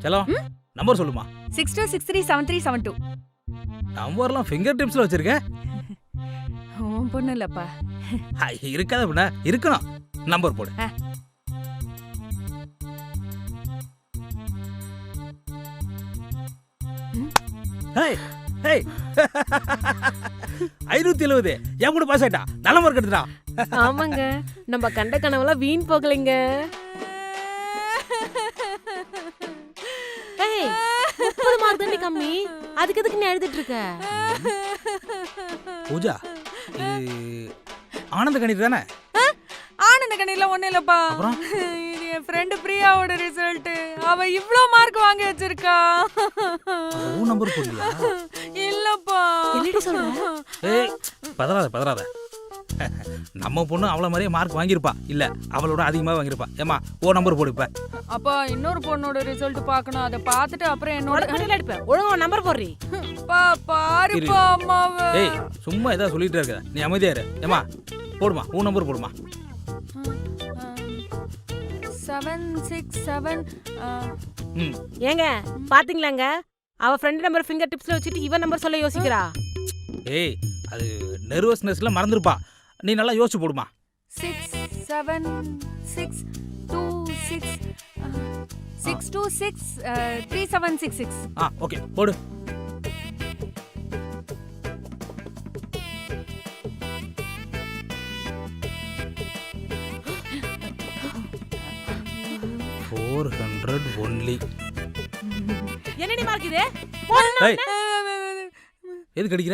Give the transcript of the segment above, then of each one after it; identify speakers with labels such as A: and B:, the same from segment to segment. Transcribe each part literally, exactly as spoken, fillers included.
A: செல்லம் நம்பர் சொல்லுமா.
B: Six two six three seven three seven two.
A: நம்பர்லாம் ஃபிங்கர் டிப்ஸ்ல வச்சிருக்க.
B: உன் பொண்ணு இல்லப்பா.
A: இருக்காத அப்படின்னா இருக்கணும். நம்பர் போடு. ஐநூத்தி எழுபது என் கூட பாஸ் ஆயிட்டா. நல்ல மார்க் எடுத்துட்டா.
C: ஆமாங்க, நம்ம கண்ட கனவுலாம் வீண் போகலைங்க. முப்பது மார்க் தானே கம்மி, அதுக்கு எதுக்கு நீ எழுதிட்டு இருக்க?
A: பூஜா, இது ஆனந்த கணிதம் தானே?
B: ஆனந்த கணிதம் ஒண்ணு இல்லப்பா. இது என் ஃப்ரெண்ட் பிரியாவோட ரிசல்ட். அவ இவ்ளோ மார்க் வாங்கி வச்சிருக்கா.
A: ஓ நம்பர் போடுறியா?
B: இல்லப்பா.
C: என்னடி சொல்ற?
A: ஏய் பதறாத பதறாத. நம்ம பொண்ணு அவள மாதிரியே மார்க் வாங்கியிருப்பா. இல்ல அவளோட அதிகமா வாங்கியிருப்பா. ஏமா ஓ நம்பர் போடு. இப்ப
B: அப்பா இன்னொரு பொண்ணோட ரிசல்ட் பார்க்கணும். அதை பார்த்துட்டு அப்புறம் என்னோட
C: கடையில அடிப்பேன். ஒழுங்கா நம்பர் போடுறி.
B: பா பாருப்பா அம்மாவே.
A: ஏய் சும்மா ஏதா சொல்லிட்டே இருக்க. நீ அமைதியா இரு. ஏமா போடுமா ஓ நம்பர் போடுமா.
B: Seven six seven.
C: ஏங்க பாத்தீங்களாங்க, அவ ஃப்ரெண்ட் நம்பர் ஃபிங்கர் டிப்ஸ்ல வச்சிட்டு இவன் நம்பர் சொல்ல யோசிக்கிறா.
A: ஏய் அது நர்வஸ்னஸ்ல மறந்துருப்பா. நீ நல்லா யோசிச்சு போடுமா.
B: Six seven six two six six two six three seven six six.
A: ஆ ஓகே போடு. four hundred only.
C: என்னடி மார்க் இது?
A: ஏய் எதுக்கு அடிக்கிற?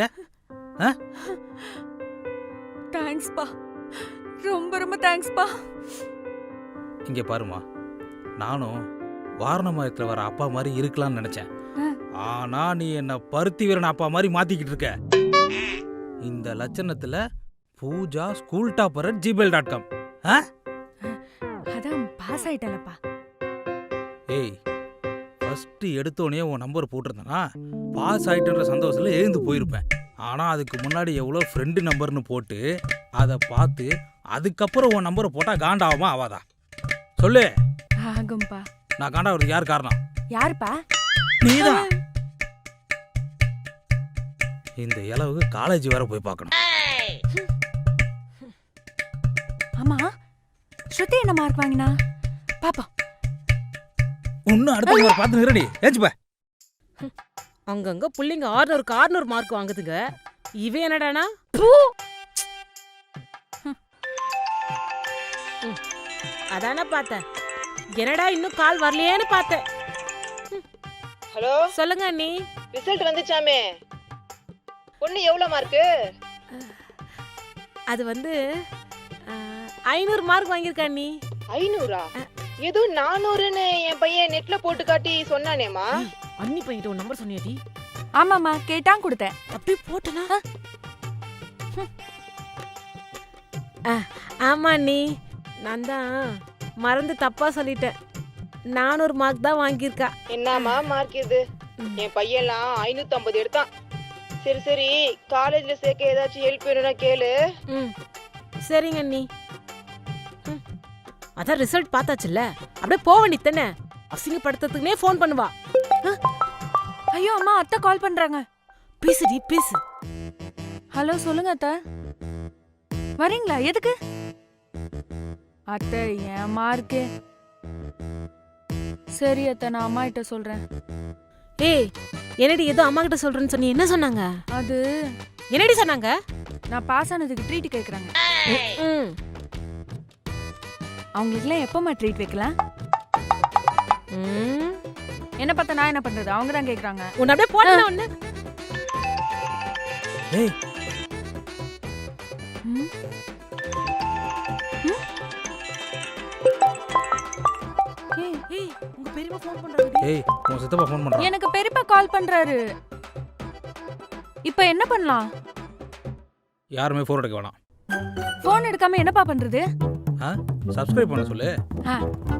B: தேங்க்ஸ் பா, ரொம்ப ரொம்ப தேங்க்ஸ் பா.
A: இங்க பாருமா, நானும் வாரணமாயத்துல வர அப்பா மாதிரி இருக்கலாம்னு நினைச்சேன். ஆனா நீ என்ன பருத்தி வீரன் அப்பா மாதிரி மாத்திக்கிட்டு இருக்க. இந்த லட்சணத்துல Pooja school topper at Gmail dot com.
B: அதான் பாஸ் ஆயிட்டலப்பா.
A: ஏய் ஃபர்ஸ்ட் எடுத்தோடனே உன் நம்பர் போட்டிருந்தனா பாஸ் ஆயிட்டுன்ற சந்தோஷத்துல எழுந்து போயிருப்பேன். ஆனா அதுக்கு முன்னாடி எவ்வளோ ஃப்ரெண்டு நம்பர்னு போட்டு அதை பார்த்து அதுக்கப்புறம் உன் நம்பரை போட்டா காண்டாகுமா ஆவாதா சொல்லு.
B: ஆகும்பா.
A: நான் காண்டாகிறதுக்கு யார் காரணம்?
B: யாருப்பா?
A: நீதான். இந்த இளவுக்கு காலேஜ் வேற போய் பார்க்கணும்.
B: ஆமா ஸ்ருதி என்ன மார்க் வாங்கினா பாப்பா.
A: இன்னும் அடுத்த நம்பர் பார்த்து நிரடி ஏச்சுப்பா.
C: அங்கங்க புள்ளிங்க ஆறுநூறுக்கு ஆறுநூறு மார்க் வாங்குதுங்க. இவன் என்னடானா அதான பார்த்தேன். என்னடா இன்னும் கால் வரலையேன்னு பார்த்தேன்.
D: ஹலோ
C: சொல்லுங்க அண்ணி.
D: ரிசல்ட் வந்துச்சாமே, பொண்ணு எவ்வளவு மார்க்கு?
C: அது வந்து ஐநூறு மார்க் வாங்கியிருக்கா அண்ணி.
D: ஐநூறா? ஏதோ நானூறுன்னு என் பையன் நெட்ல போட்டு காட்டி சொன்னானேமா.
C: அண்ணி பையன் ஒரு நம்பர் சொன்னியாடி?
B: ஆமாமா கேட்டான் கொடுத்தேன்.
C: அப்படியே போட்டனா? ஆமா அண்ணி, நான் தான் மறந்து தப்பா சொல்லிட்டேன். நானூறு மார்க் தான் வாங்கியிருக்கா.
D: என்னமா மார்க் இது? என் பையன்லாம் ஐநூத்தி ஐம்பது எடுத்தான். சரி சரி, காலேஜ்ல சேர்க்க ஏதாச்சும் ஹெல்ப் வேணும்னா கேளு.
C: ம் சரிங்க அண்ணி. அதான் ரிசல்ட் பார்த்தாச்சுல்ல, அப்படியே போக வேண்டியதானே. அசிங்கப்படுத்துறதுக்குனே ஃபோன் பண்ணுவா.
B: ஐயோ அம்மா, அத்தை கால் பண்றாங்க.
C: பேசுடி பேசு.
B: ஹலோ சொல்லுங்க அத்தை. வரீங்களா? எதுக்கு? அத்தை என் மார்க்கு. சரி அத்தை, நான் அம்மா கிட்ட சொல்றேன்.
C: ஏய் என்னடி ஏதோ அம்மா கிட்ட சொல்றேன்னு சொன்னி, என்ன சொன்னாங்க?
B: அது
C: என்னடி சொன்னாங்க?
B: நான் பாஸ் ஆனதுக்கு ட்ரீட் கேக்குறாங்க.
C: ம்
B: அவங்களுக்குலாம் எப்பமா ட்ரீட் வைக்கலாம்?
C: ம்
B: என்ன பார்த்தா நான் என்ன பண்றது? அவங்க தான் கேக்குறாங்க.
C: உன்ன அப்படியே போடுற ஒண்ணு.
A: ஏய்
B: ம் ஏய்
C: ஏய் உங்க பெரியப்பா ஃபோன் பண்றாங்க.
A: ஏய் உன் சித்தப்பா ஃபோன் பண்றாங்க.
B: எனக்கு பெரியப்பா கால் பண்றாரு. இப்போ என்ன பண்ணலாம்?
A: யாருமே ஃபோன் எடுக்க வேணாம்.
B: ஃபோன் எடுக்காம என்னப்பா பண்றது?
A: ஆ சப்ஸ்கிரைப் பண்ண சொல்லு.
B: ஆ